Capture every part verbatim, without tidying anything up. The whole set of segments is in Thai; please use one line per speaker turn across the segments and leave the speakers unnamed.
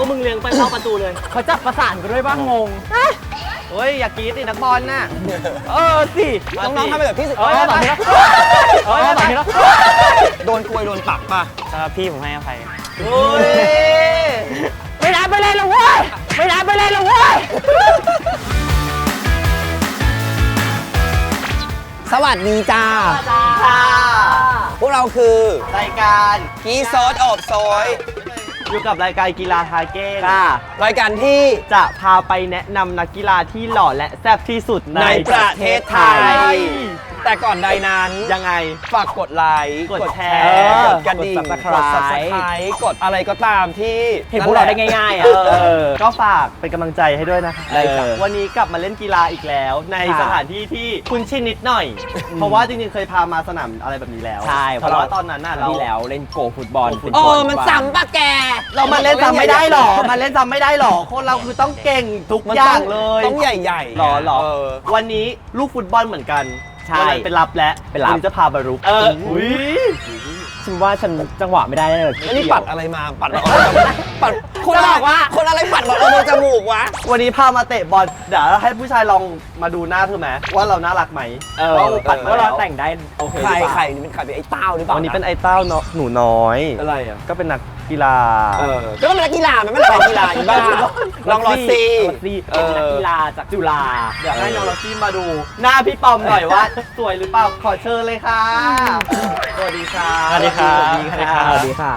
วกมึงเลี้ยงไปเข้าประตูเลยเขาจับประสานกันด้วยบ้างงงเฮ้ยอย่ากรี๊ดสินักบอลน่ะเออสิ
น้องๆทำไปแบบพี่สิ
เออแบบนี้แล้วเออแบบนี้แล้ว
โดนกลวยโดนปรับป่ะ
พี่ผมให้อภัย
โอ้ยไม่รับไปเลยหรอเว้ยไม่รับไปเลยหรอเว้ย
สวัสดีจ้า
ค่ะ
พวกเราคือ
รายการ
กีซอสอบซอย
อยู่กับรายการกีฬาทาเก้
ค่ะรายการที่
จะพาไปแนะนำนักกีฬาที่หล่อและแซ่บที่สุดใน
ประเทศไทยแต่ก่อนใดนั้น
ยังไง
ฝากกดไลค์
กดแชร์
กดกระดิ่งกด ซับสไครบ์ กดอะไรก็ตามที่
เห็นพวกเราได้ง่ายๆอ่ะก็ฝากเป็นกำลังใจให้ด้วยนะคะวันนี้กลับมาเล่นกีฬาอีกแล้วในสถานที่ที่คุ้นชินนิดหน่อยเพราะว่าจริงๆเคยพามาสนามอะไรแบบนี้แล้ว
ใช่
เพราะว่าตอนนั้นน่ะเรา
ที่แล้วเล่นโกฟุตบอล
โอ้มันซ้ำปะแกเรามาเล่นซ้ำไม่ได้หรอมาเล่นซ้ำไม่ได้หรอคนเราคือต้องเก่งทุกอย่างเลย
ต้องใหญ่ๆ
หรอหรอวันนี้ลูกฟุตบอลเหมือนกัน
ใช่
เป็นรับและ
เป็นรับ
จะพาบารุก
เออ
อุ้ย
ฉันว่าฉันจังหวะไม่ได้เลยแล้วนี่ปัดอะไรมาปัดเราปัดคน
บอกว่า
คนอะไรปัดเราเอาจมูกวะ
วันนี้พามาเตะบอลเดี๋ยวให้ผู้ชายลองมาดูหน้าเธอไหมว่าเราน่ารักไหม
เออ
ปัดว่าเราแต่งได้
ใครใครนี่เป็นใครเป็นไอ้เต้าหรือเปล่า
วันนี้เป็นไอ้เต้าเนาะหนูน้อย
อะไรอ่ะ
ก็เป็นนักกีฬา
เออก็เป็นนักกีฬามันไม่ใช่นักกีฬาอีบ้าลองรอซี
เป็นนักกีฬาจากจุฬาเดี๋ยวให้น้องรอซี่มาดูหน้าพี่ปอมหน่อยว่าสวยหรือเปล่าขอเชิญเลยค่ะสวัสดีค่ะ
สวัสดีค่ะ
สวัสดีค่ะ
สวัสดีค่ะ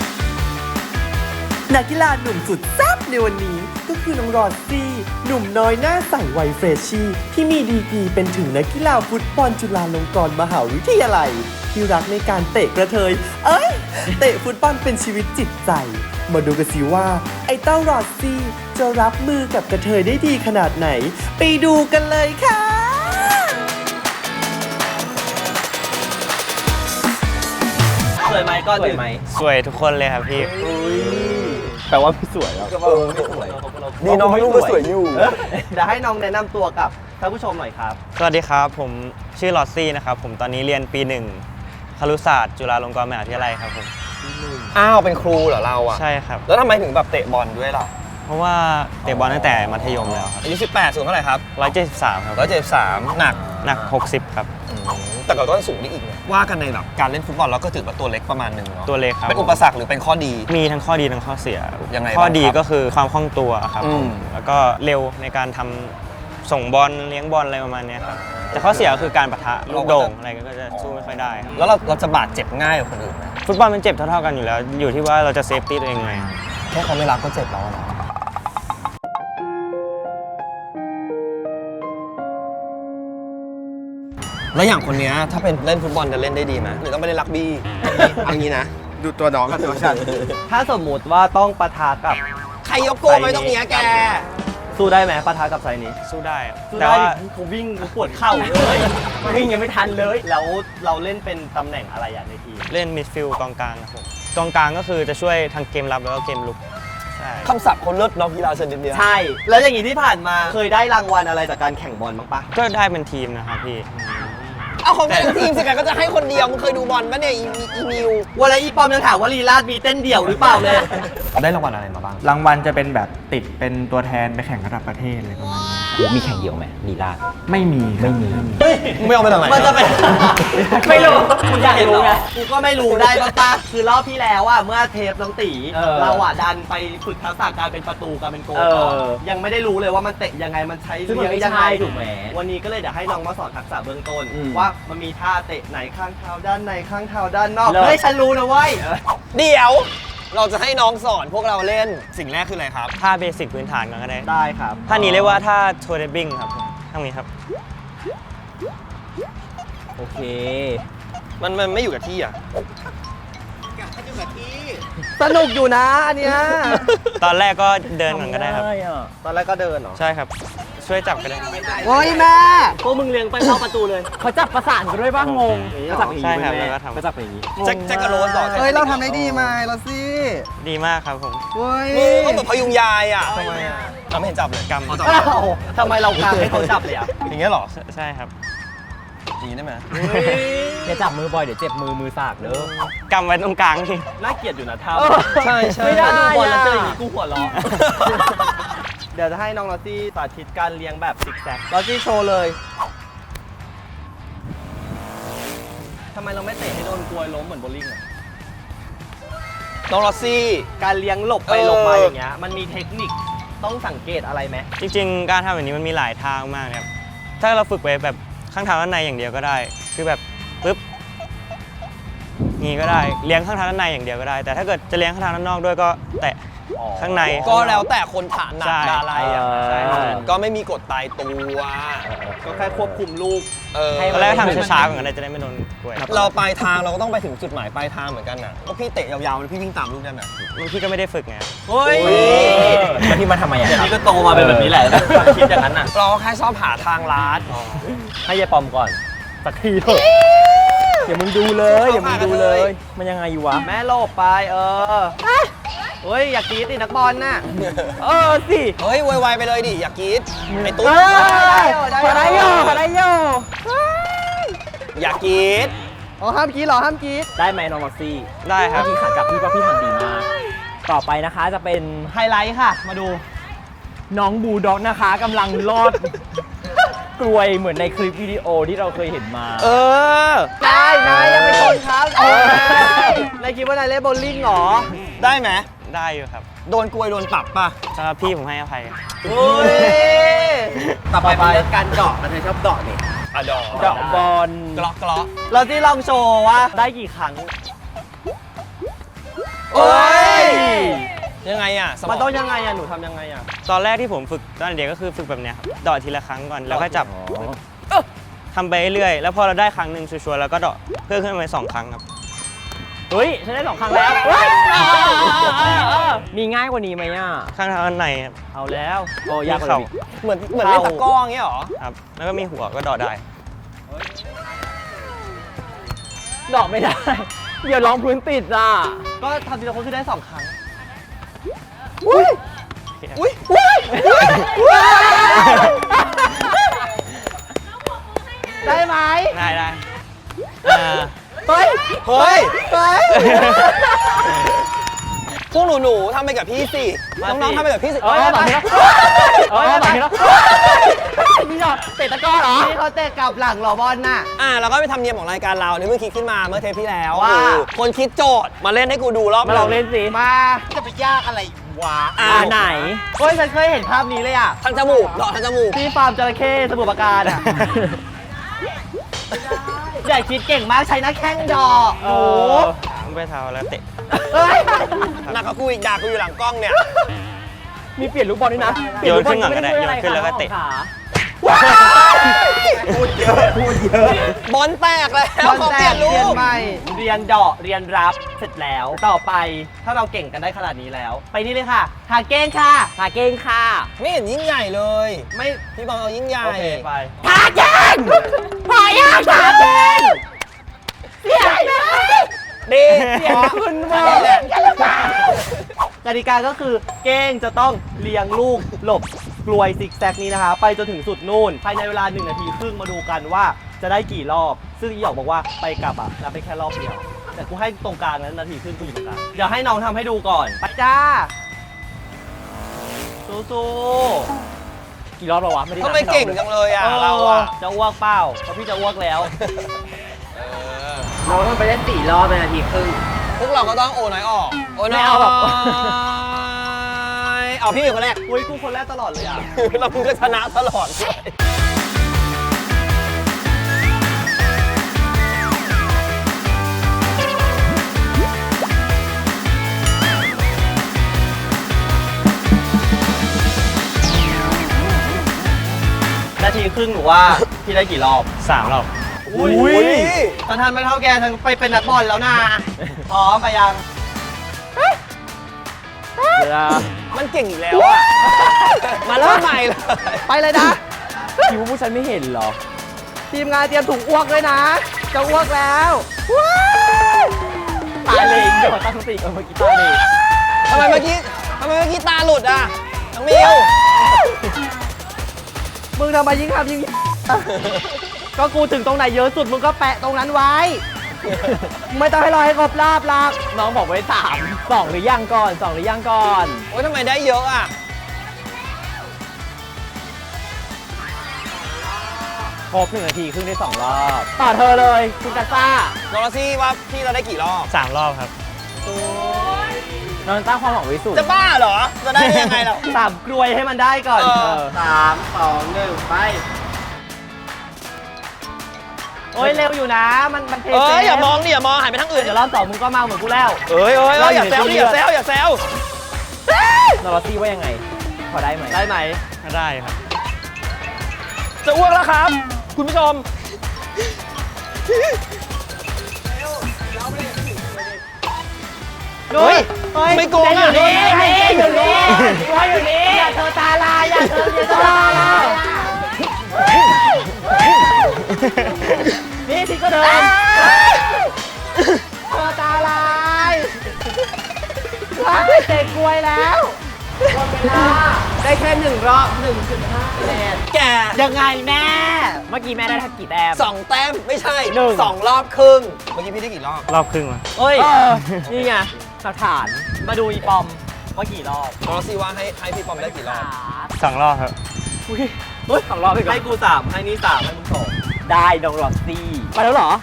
นักกีฬาหนุ่มสุดแซ่บในวันนี้ก็คือน้องรอซี่ หนุ่มน้อยหน้าใสวัยเฟรชชี่ที่มีดีกรีเป็นถึงนักกีฬาฟุตบอลจุฬาลงกรณ์มหาวิทยาลัยที่รักในการเตะกระเทยเอ้ยเตะฟุตบอลเป็นชีวิตจิตใจมาดูกันสิว่าไอ้เต้ารอซี่จะรับมือกับกระเทยได้ดีขนาดไหนไปดูกันเลยค่ะ
สวยไหมก็สวยไหม
สวยทุกคนเลยครับพี่
แปลว่าไม่สวยแล้ว
ไม่สวยดีน้องลูกก็สวยอยู่
เดี๋ยวให้น้องแนะนำตัวกับท่านผู้ชมหน่อยครับ
สวัสดีครับผมชื่อลอซี่นะครับผมตอนนี้เรียนปีหนึ่งครุศาสตร์จุฬาลงกรณ์มหาวิทยาลัยครับผม
อ้าวเป็นครูเหรอเราอ่ะ
ใช่ครับ
แล้วทำไมถึงแบบเตะบอลด้วยล่ะ
เพราะว่าเตะบอลตั้งแต่มัธยมแล้วครับ
อายุสิบแปดสูงเท่าไหร่ครับ
หนึ่งร้อยเจ็ดสิบสามครับ
หนึ่งร้อยเจ็ดสิบสามหนัก
หนักหกสิบครับ
แต่ก็ต้องสูงได้อีกเนี่ยว่ากันในแบบการเล่นฟุตบอลเราก็ถือว่าตัวเล็กประมาณหนึ่งเนาะ
ตัวเล็กครับ
เป็นอุปสรรคหรือเป็นข้อดี
มีทั้งข้อดีทั้งข้อเสีย
ยังไง
ข้อดีก็คือความคล่องตัวครับแล้วก็เร็วในการทำส่งบอลเลี้ยงบอลอะไรประมาณนี้ครับแต่ข้อเสียก็คือการปะทะลูกโด่งอะไรก็จะสู้ไม่ค่อยได้ครับ
แล้วเราเราจะบาดเจ็บง่ายกว่าคนอื่นไหม
ฟุตบอลมันเจ็บเท่าๆกันอยู่แล้วอยู่ที่ว่าเราจะเซฟตี้ตัวเองไง
แค่เขาไม่รักก็เจ็บแล้วนะแล้วอย่างคนนี้ถ้าเป็นเล่นฟุตบอลจะเล่นได้ดีไหมหรือต้องไปเล่นรักบี้อันนี้นะดูตัวน้องกับตัวฉัน
ถ้าสมมุติว่าต้องปะทะกับ
ใครยกโกไม่ต้องเนี้ยแก
สู้ได้ไหมปะทะกับไซนี้
สู้ได้
แต่ว่าเขาวิ่งเขาปวดเข่าเลยวิ่งยังไม่ทันเลยแล้วเราเล่นเป็นตำแหน่งอะไรอย่างในทีม
เล่นมิดฟิลด์กองกลางครับผมกองกลางก็คือจะช่วยทั้งเกมรับแล้วก็เกมลุกใช่
คำศัพท์คนเลิศน้องกีฬาชนิดเดียว
ใช่แล้วอย่างนี้ที่ผ่านมาเคยได้รางวัลอะไรจากการแข่งบอลบ้างปะ
ก็ได้เป็นทีมนะครับพี่
เอาของเป็นทีมสิกันก็จะให้คนเดียวมึงเคยดูบอลปะเนี่ยอีมิว
วันละอีปอมยังถามว่าลีลาดมีเต้นเดี่ยวหรือเปล่าเลย
ได้รางวัลอะไรมาบ้าง
รางวัลจะเป็นแบบติดเป็นตัวแทนไปแข่งระดับประเทศเลยประมาณนี้
มีแข่งเดี่ยวไหมลีลาด
ไม่มี
ไม่มีไม่เอาไปทำไม
มันจะเป็นไม่รู้กูอยากรู้ไงกูก็ไม่รู้ได้ปะคือรอบที่แล้วอ่ะเมื่อเทปน้องตีเราอ่ะดันไปฝึกทักษะการเป็นประตูการเป็นโกลยังไม่ได้รู้เลยว่ามันเตะยังไงมันใช้เลี้ยงยังไงถูกไหมวันนี้ก็เลยเดี๋ยวให้น้องมาสอนทักษะเบื้องต้นว่ามันมีท่าเตะไหนข้างเท้าด้านในข้างเท้าด้านนอกเฮ้ยฉันรู้นะเว้ย
เดี๋ยวเราจะให้น้องสอนพวกเราเล่นสิ่งแรกคืออะไรครับ
ท่าเบสิกพื้นฐานกันก็ได้
ได้ครับ
ท่านี้เรียกว่าท่าโทเดบิ้งครับท่านี้ครับ
โอเค
มันมันไม่อยู่กับที่อ่ะ
สนุกอยู่นะอันเนี้ย
ตอนแรกก็เดินเหมือนกันได้ครับ
ตอนแรกก็เดินเหรอ
ใช่ครับช่วยจับกันได้
โอ้ยแม่พวกมึงเลี้ยงไปเข้าประตูเลยเขาจับประสานกันด้วยบ้างงง
จับใช่ครับแล้วก็ทำ
เขาจับอย่างนี้
แจ็คกระโรสต่อ
เฮ้ยเราทำได้ดีไหมเราสิ
ดีมากครับผม
เฮ้ย
ก็เหมือนพยุงยายอ่ะทำไมอ่ะเราไม่เห็นจับเลย
กำ
ทำไมเรากางให้เขาจับเลยอ่ะ
อย่างเงี้ยหรอ
ใช่ครับ
อย่างนี้ได้ไหม
อย่าจับมือบ่อยเดี๋ยวเจ็บมือมือสากเด้อก
ำไว้ตรงกลางนี่
น่าเกลียดอยู่นะท่า
ใช่ใช่
ไม่ได้ดูบอลแล้วเจออย่างนี้กูหัวเราะ เดี๋ยวจะให้น้องลอตซี่สาธิตการเลี้ยงแบบซิกแซกลอตซี่โชว์เลยทำไมเราไม่เตะให้โดนกลวยล้มเหมือนโบว์ลิ่งอะ
น้องลอสซี่
การเลี้ยงหลบไป
เออ
หลบมาอย่างเงี้ยมันมีเทคนิคต้องสังเกตอะไรไหม
จริงๆ การทำแบบนี้มันมีหลายทางมากนะครับ ถ้าเราฝึกไปแบบข้างเท้าด้านในอย่างเดียวก็ได้ คือแบบปึ๊บงี้ก็ได้ เลี้ยงข้างเท้าด้านในอย่างเดียวก็ได้ แต่ถ้าเกิดจะเลี้ยงข้างเท้าด้านนอกด้วยก็แตะข้างใน
ก็แล้วแต่คนถนัด
ใช่
อะไรอ่ะ
ใช่
ก็ไม่มีกฎตายตัว
ก็แค่ควบคุมลูก
เออ
ตอนแรกทำช้าๆก่อนก็ได้จะได้ไม่โดนกล้วย
เราปลายทางเราก็ต้องไปถึงจุดหมายปลายทางเหมือนกันน่ะก็พี่เตะยาวๆแล้วพี่วิ่งตามลูกได้ไหม
พี่ก็ไม่ได้ฝึกไง
เฮ้ย
แล้วพี่มาทำไมอ่ะ
เดี๋ยว
ครับ
นี้ก็โตมาเป็นแบบนี้แหละคิดอย่างนั้นน่ะ
เราก็แค่ชอบหาทางลัด
ให้ยายปอมก่อน
สักทีเถอะเดี๋ยวมึงดูเลยเดี๋ยวมึงดูเลย มันยังไงอยู่วะ
แม่โลบไปเออเฮ้ยอยากกรีดดินักบอลน่ะ
เออสิ
เฮ้ยไวๆไปเลยดิ อย่ากรีดไอ้ตุ๊ด
เออพอได้โยพอได้โย
อย่ากรีด
อ๋อห้ามกรีดเหรอห้ามกรีด
ได้ไหมน้องลอสซี่
ได้ครับ
พี่ขัดกับพี่ว่าพี่ทำดีมาก ต่อไปนะคะจะเป็น
ไฮไลท์ค่ะ มาดู
น้องบูลด็อกนะคะกำลังลอด กลวยเหมือนในคลิปวิดีโอที่เราเคยเห็นมา
เออ
นายนายยังเป็นคนครับเออนายคิดว่านายเล่นโบว์ลิ่งเหรอ
ได้ไหม
ได้อยู่ครับ
โดนกลวยโดนปรับป่ะ
สำหรับพี่ผมให้อภัย
เฮ้ยต่อไปเป็นเรื่องการเดาะมันชอบเดาะนี่
อะดอก
เดาะบอล
กลอกกลอก
เราที่ลองโชว์ว่าได้กี่ครั้ง
โอ้ย ยังไงอ่ะส
มันต้องยังไงอ่ะ หนูทำยังไงอ่ะ
ตอนแรกที่ผมฝึกตอนเด็กก็คือฝึกแบบเนี้ยครับเดาะทีละครั้งก่อนแล้วก็จับทำไปเรื่อยๆแล้วพอเราได้ครั้งหนึ่งชัวร์ๆแล้วก็เดาะเพิ่มขึ้นไปสองครั้งครับ
เฮ้ยฉันได้สองครั้งแล้วมีง่ายกว่านี้ไหมอ่ะ
ข้างเท้าด้านในครับ
เอาแล้วโอ้ยากกว่า
เข่า
นี้
เหมือนเหมือนเล่นตะกร้ออย่างเงี้ยเหรอ
ครับแล้วก็มีหัวก็เดาะได้
ดอกไม่ได้ เดี๋ยวร้องพื้นติดอ่ะ
ก็ทำทีละคนคือได้สองครั้ง
อุ้ยอุ้ยอุ้ย
ได้ไหม
ได้ได้อ่า
เฮ้ย
เฮ้ย
เฮ้ย
พวกหนูๆทำไปกับพี่สิ
มาสิ
น้องๆทำไปกับพี่สิ
เอ้ยแบบนี้แล้วเอ้ยแบบนี้แล้วมีดอกเตะตะกร้อเหรอ
นี่เขาเตะกลับหลังเหรอบอลน่ะ
อ่าเราก็ไปทำเนียมของรายการเราเนี่ยเมื่อคิดขึ้นมาเมื่อเทปที่แล้ว
ว่า
คือคนคิดโจทย์มาเล่นให้กูดูรอบ
มาลองเล่นสิ
มา จะไปยากอะไรวะ
อ่า
อ่าไหน
เฮ้ยฉันเคยเห็นภาพนี้เลยอ่ะ
ทางจมูกดอกทางจมูก
ที่ฟาร์มจระเข้สมุทรปราการอ่ะ ใหญ่คิดเก่งมากใช้หน้าแข้งดอกหนู
ต้องไปเท้าแล้วเตะ
เฮ้ย
หนักกว่ากูอีกด่ากูอยู่หลังกล้องเนี่ย
มีเปลี่ยนลูกบอลด้วยนะ
โยนขึ้นก่อนก็ได้โยนขึ้นแล้วก็เตะ
พูดเยอะพูดเยอะบอลแตกแล้ว
บอล
ขอ
แต
เปลี่ย
ก
นลู
เรียน
ก
ใหม่เรียนเดาะเรียนรับเสร็จแล้ว ต่อไปถ้าเราเก่งกันได้ขนาดนี้แล้ว ไปนี่เลยค่ะ หาเก้งค่ะ
หาเก้งค่ะ
ไม่เห็นยิ่งใหญ่เลย
ไม่
พี่บอลเอายิ่งใหญ่
โอเคไป
หาเก้งพอยากหาเก้งเสียงนะ
ดี
เสียงคุณบอล
กติกาก็คือเก้งจะต้องเลี้ยงลูกหลบกลวยซิกแซกนี้นะคะ ไปจนถึงสุดนู่นภายในเวลาหนึ่งนาทีครึ่งมาดูกันว่าจะได้กี่รอบ ซึ่งอีหยอกบอกว่าไปกลับอ่ะนับไปแค่รอบเดียว แต่กูให้ตรงกลางนั้นนาทีครึ่งกูอยู่ตรงกลางเดี๋ยวให้น้องทำให้ดูก่อนไปจ้าสู้ๆ
กี่รอบแล้ววะไม่ได้นับ
ทำไมเก่งจังเลยอ่ะ เราอ่ะ
จะอ้วกเปล่าเพราะพี่จะอ้วกแล้ว
เราต้องไปเล่นสี่รอบในนาทีครึ่ง
พวกเราก็ต้องโอน้อยออก โอน้อย
ไม่เอาหรอก
เอาพี่เป็นคนแรก
อุ้ยกูคนแรกตลอดเลยอ่ะ
แล้วมึงก็ชนะตลอดด้วย
นาทีครึ่งหนูว่าพี่ได้กี่รอบ
สามรอบ
อุ้ยตอนทันไม่เท่าแกทันไปเป็นนักบอลแล้วนะพร้อมไปยัง
เวลา
มันเก่งอีกแล้วอ่ะ มาเริ่มใหม่เลย
ไปเลยนะ
คิดว่าผู้ฉันไม่เห็นเหรอ
ทีมงานเตรียมถุงอ้วกด้วยนะ จะอ้วกแล้วว้าย
ตายเลยเดี๋ยวตั้งสติก่อนเมื่อกี้ตายเลย
ทำไมเมื่อกี้ทำไมเมื่อกี้ตาหลุดอ่ะน้องมิว
มึงทำไมยิ่งทำยิ่ง
ท
ก็กูถึงตรงไหนเยอะสุดมึงก็แปะตรงนั้นไว้ ไม่ต้องให้รอให้ครบรอบหรอก
น้องบอกไว้สามสองหรือยังก่อนสองหรือยังก่อน
โอ้ยทำไมได้เยอะอ่ะ
ครบหนึ่งนาทีครึ่งได้สองรอบ ต่อเธอเลยคุณกัสซ่า
น้องลอซี่ว่าพี่เราได้กี่รอบ
สามรอบครับ
น้องตั้งความหวังไว้สูง
จะบ้าเหรอ จะได้ยังไงเรา
สามกลวยให้มันได้ก่อน
เออ
เออสามสองหนึ่งไป โอ้ยเร็วอยู่นะ มันมันเท
เอ้
เซ
ยอย่ามองดิอย่ามองหันไปทางอื่น
เดี๋ยวรอบสองมึงก็เมาเหมือนกูแล้ว
เอ้ยเอ้ยเอ้ยอย่าแซวดิอย่าแซวอย่าแซว
นอร์ซี่ว่ายังไง พอได้ไหม
ได้ไหม
ได้ครับ
จะอ้วกแล้วครับ คุณผู้ชม
เฮ้ย
ไม่โกง
อ
อ่ะ
ยู่นี่ให้อยู่นี่ให้อยู่นี่อย่าเธอตาลายอย่าเธออย่าเธอตาลายนี่ที่ก็เดินเธอตาลายเด็กกลวยแล้วหมดเวลาได้แค่หนึ่งรอบ หนึ่งจุดห้า คะแนน
แก
ยังไงแม่
เมื่อกี้แม่ได้ทักกี่แต้ม
สองแต้มไม่ใช่
หนึ่ง
สองรอบครึ่ง เมื่อกี้พี่ได้กี่รอบ
รอบครึ่งวะ
เอ้ย
เออนี่ไงหลักฐาน
มาดูอีปอมว่ากี่รอบ
น้องลอซี่ว่าให้ให้พี่ปอมได้กี่รอบ
สองรอบครับ
อุ้ยเฮ้ยสองรอบไปก่อน
ให้กูสามให้นี่สามให้มึงสอง
ได้น้องรอซี่มาแล้วเหรอ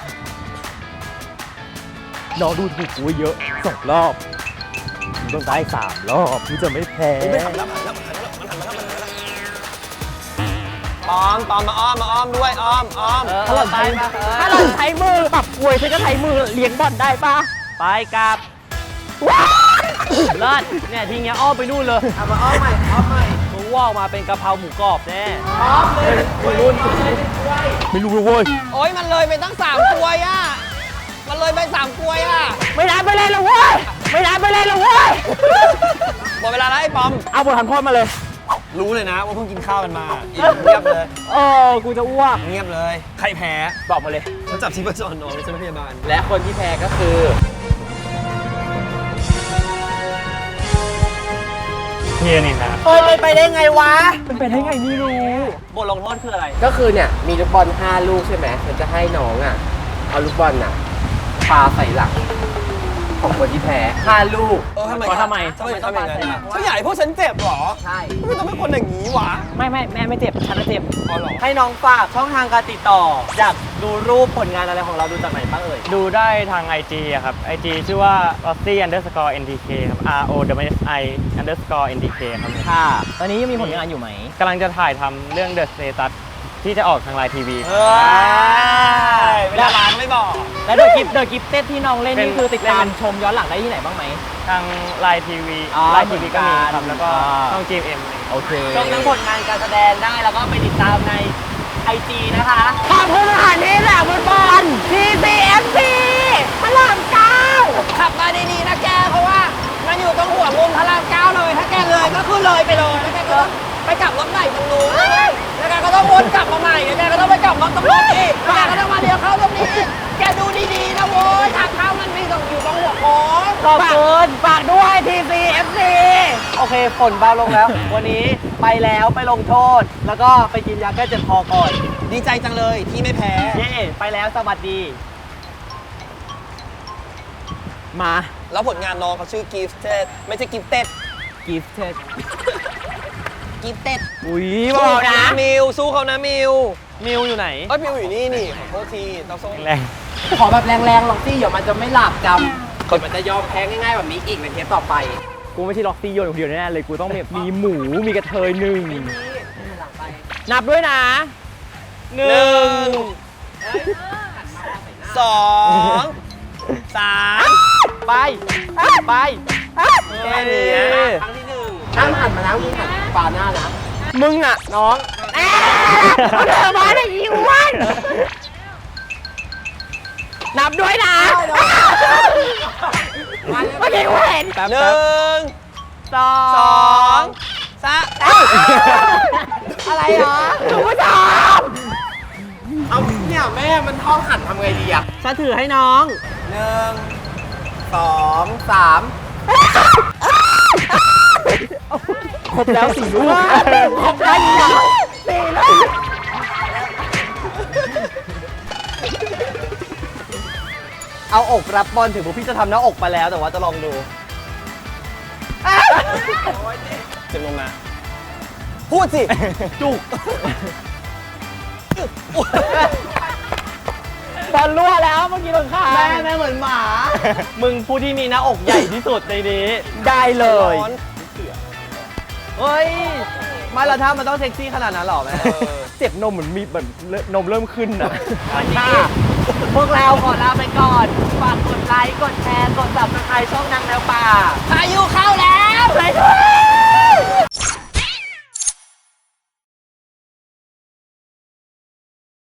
น้องดูถูกกูเยอะสองรอบมึงต้องได้สามรอบมึงจะไม่แพ้
ไม่ทำแล้วมันหันแล้วมันหันแล้วมันหันแล้วมันหันแล้วปอมปอมมาอ้อมมาอ้อมด้วยอ้อมอ้อม
เออ
ถ้าเรา
ไป
ใช้
มา
ถ้าเราใช้มือปรับกลวยฉันก็ใช้มือเลี้ยงบอลได้ปะ
ไปกลับเลิศเนี่ยทีเงี้ยอ้อมไปนู่นเลยเอามาอ้อมใหม่อ้อมใหม่มึงว่าออกมาเป็นกะเพราหมูกรอบแน่อ้อมเลยวัยรุ่น
ไม่รู้เลยเว้ย
โอ้ยมันเลยไปตั้งสามกลวยอ่ะ มันเลยไปสามกลวยอ่ะ
ไม่ได้ไปเลยละเว้ยไม่ได้ไปเลยละเว้ย
หมดเวลาแล้วไอ้ปอม
เอาบททันโทษมาเลย
รู้เลยนะว่าเพิ่งกินข้าวกันมาอิ่มเงียบเลย
เออกูจะอ้วก
เงียบเลย ใครแพ้
บอกมาเลย
ฉันจับชีพจรน้องไม่ใช่พยาบาล
และคนที่แพ้ก็คือ
พี่นินครับ
เอ้ยไปไปได้ไงวะ
เป็นไปได้ไงไม่รู้
บทลงโทษคืออะไร
ก็คือเนี่ย มีลูกบอลห้าลูกใช่ไหมฉันจะให้น้องอ่ะ เอาลูกบอลอ่ะปาใส่หลังของคนที่แพ้ห้าลูก
เออทำไม
เพราะทำไม
ทำไมทำอย่างนั้นอะเขาอยากให้พวกฉันเจ็บเหรอ
ใช่
ทำไมต้องเป็นคนอย่างนี้วะ
ไม่ไม่แม่ไม่เจ็บฉันน่ะเจ็บ
อ๋อเหรอ
ให้น้องฝากช่องทางการติดต่อ อยากดูรูปผลงานอะไรของเราดูจากไหนบ้างเอ่ย
ดูได้ทาง ไอ จี อะครับ ไอ จี ชื่อว่า rossi underscore ntk ครับ r o w s i underscore ntk ครับ
ค่ะ ตอนนี้ยังมีผลงานอยู่ไหม
กำลังจะถ่ายทำเรื่อง The Status ที่จะออกทางไลน์ทีวี
เฮ้ย
เวลาล้างไม่บอก
แล้วเดอะกิฟเดอะกิฟเต็ดที่น้องเล่น
เป็น
นี่คือติดตาม
เป็น
ชมย้อนหลังได้ที่ไหนบ้างไหม
ทางไลน์ทีวี
อ๋อ
ไลน์ทีวีก็มี
เหมือนกัน
ครับ แล้วก็
อ่า
ช่อง จี เอ็ม
โอเค
ชมทั้งผลงานการแสดงได้แล้วก็ไปติดตามในไอจีนะคะ
ขอบคุณอาหารที่แหลกบอลบอล ที ซี เอฟ ซี พระรามเก้า
ขับมาดีๆนะแก เพราะว่ามันอยู่ตรงหัวมุมพระรามเก้าเลย ถ้าแกเลยก็คือเลยไปเลยแล้วแกก็ต้องไปกลับรถใหม่ตรงนู้นแล้วแกก็ต้องวนกลับมาใหม่แล้วแกก็ต้องไปกลับรถตรงนู้นอีกแล้วแกก็ต้องมาเลี้ยวเข้าตรงนี้ แกดูดีๆนะโว้ยทางเข้ามันมีตรงอยู่ตรงหัวโค้ง
ขอบคุณ
ฝากด้วย ที ซี เอฟ ซี
โอเคฝนเบาลงแล้ว วันนี้ไปแล้วไปลงโทษ แล้วก็ไปกินยาแก้เจ็บคอก่อน
ดีใจจังเลยที่ไม่แพ้
เย่ไปแล้วสวัสดี
มา
แล้วผลงานน้องเขาชื่อ Gifted ไม่ใช่ Gifted
กิฟเต็ด
Gifted
อุ้ยบ
สู้
อก
เขา
นะ
นะมิวสู้เขานะมิว
มิวอยู่ไหน
เอ้ยมิวอยู่นี่นี่ขอโทษทีต้องส่ง
แรง
ขอแบบแรงๆหรอกที่เดี๋ยวมันจะไม่หลับจำคนมันจะยอมแพ้ง่ายๆแบบนี้อีกในเทปต่อไป
กูไม่ใช่ล็อกซี่โยนคนเดียวแน่ๆเลย กูต้องแบบมีหมู มีกระเทยหนึ่ง นับด้วยนะ
หนึ่งสองสาม
ไป ไป
แค่นี้
ครั้งที่หนึ่งห้ามหันมานะมึงหันปาหน้านะ
มึงอ่ะ น้องเอาเธอมาได้อีวัน นับด้วยนะเมื่อกี้กูเห็น
หนึ่ง
สอ
สอง งสาม
อะไรเหรอคุณผู้ชม
เอาเนี่ยแม่มันท้องหันทำไงดีอ่ะ
ฉันถือให้น้อง
หนึ่ง
สองสาม
ครบแล้วสี่ลูกครบแล้วสี่ลูก
เอาอกรับบอลถึงพวกพี่จะทำหน้าอกไปแล้วแต่ว่าจะลองดู
เจ็บลงมา
พูดสิ
จุก
บอลรั่วแล้วเมื่อกี้โดนข้าง
แม่แม่เหมือนหมา มึงผู้ที่มีหน้าอกใหญ่ที่สุดในนี้
ได้เลย
เฮ้ยไม่และถ้ามันต้องเซ็กซี่ขนาดนั้นหรอแม่
เจ็บนมเหมือนมีเหมือนนมเริ่มขึ้นนะ
วันนี้พวกเราขอลาไปก่อน ฝากกดไลค์ กดแชร์ กด ซับสไครบ์ ช่องนางแมวป่า
พายุเข้าแล้ว
ไปด้วย